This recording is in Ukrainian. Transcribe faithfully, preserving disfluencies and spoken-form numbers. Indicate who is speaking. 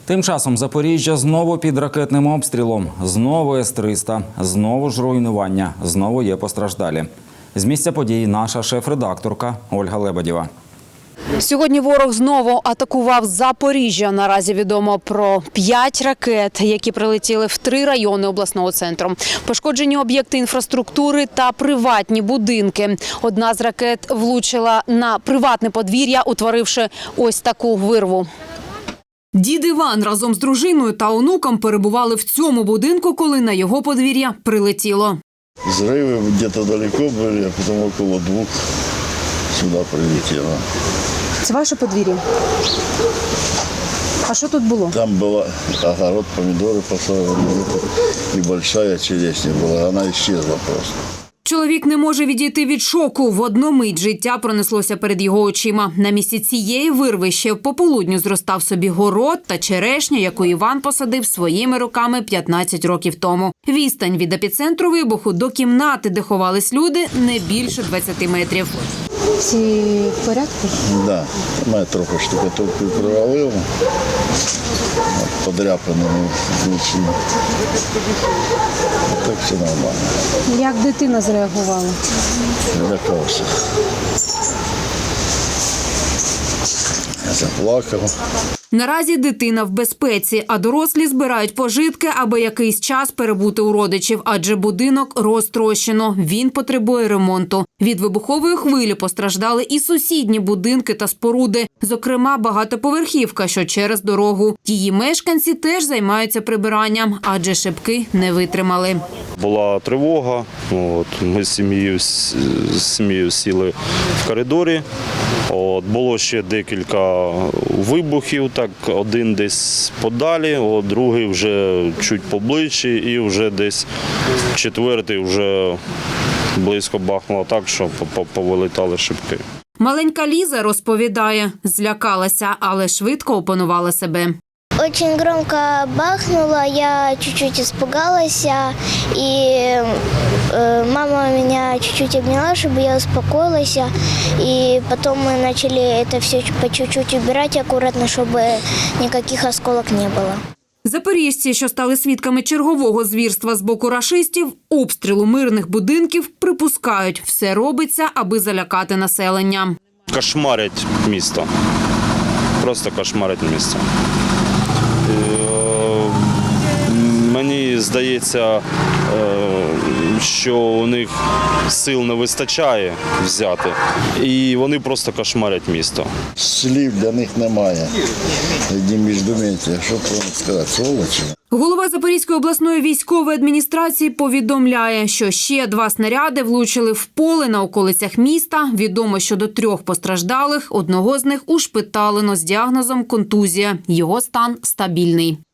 Speaker 1: Тим часом Запоріжжя знову під ракетним обстрілом. Знову С триста, знову ж руйнування, знову є постраждалі. З місця подій наша шеф-редакторка Ольга Лебедєва.
Speaker 2: Сьогодні ворог знову атакував Запоріжжя. Наразі відомо про п'ять ракет, які прилетіли в три райони обласного центру. Пошкоджені об'єкти інфраструктури та приватні будинки. Одна з ракет влучила на приватне подвір'я, утворивши ось таку вирву. Дід Іван разом з дружиною та онуком перебували в цьому будинку, коли на його подвір'я прилетіло.
Speaker 3: Взрывы где-то далеко были, а потом около двух сюда прилетело.
Speaker 2: Це ваше подвір'я? А що тут було?
Speaker 3: Там был огород, помидоры посажены, и большая черешня была, она исчезла просто.
Speaker 2: Чоловік не може відійти від шоку. В одну мить життя пронеслося перед його очима. На місці цієї вирви ще в пополудню зростав собі город та черешня, яку Іван посадив своїми руками п'ятнадцять років тому. Відстань від епіцентру вибуху до кімнати, де ховались люди, не більше двадцяти метрів.
Speaker 4: Всі в порядку?
Speaker 3: Да, мене трохи штукатуркою провалило, подряпаними вночі. Так все нормально.
Speaker 4: Як дитина зреагувала?
Speaker 3: Лякався. Я заплакав.
Speaker 2: Наразі дитина в безпеці, а дорослі збирають пожитки, аби якийсь час перебути у родичів, адже будинок розтрощено, він потребує ремонту. Від вибухової хвилі постраждали і сусідні будинки та споруди, зокрема багатоповерхівка, що через дорогу. Її мешканці теж займаються прибиранням, адже шибки не витримали.
Speaker 5: Була тривога, от, ми з сім'єю, з сім'єю сіли в коридорі. От, було ще декілька вибухів, так, один десь подалі, от, другий вже чуть поближче і вже десь четвертий вже близько бахнуло так, що повилітали шибки.
Speaker 2: Маленька Ліза розповідає, злякалася, але швидко опанувала себе.
Speaker 6: Очень громко бахнуло, я чуть-чуть испугалась, и э, мама меня чуть-чуть обняла, чтобы я успокоилась, и потом мы начали это все по чуть-чуть убирать аккуратно, чтобы никаких осколок не было.
Speaker 2: Запоріжці, що стали свідками чергового звірства з боку рашистів, обстрілу мирних будинків, припускають, все робиться, аби залякати населення.
Speaker 5: Кошмарять місто. Просто кошмарять місто. Мені здається, що у них сил не вистачає взяти, і вони просто кошмарять місто.
Speaker 3: Слів для них немає. Одні міждометія, що про них сказати, сволочі.
Speaker 2: Голова Запорізької обласної військової адміністрації повідомляє, що ще два снаряди влучили в поле на околицях міста. Відомо щодо трьох постраждалих, одного з них ушпиталено з діагнозом контузія. Його стан стабільний.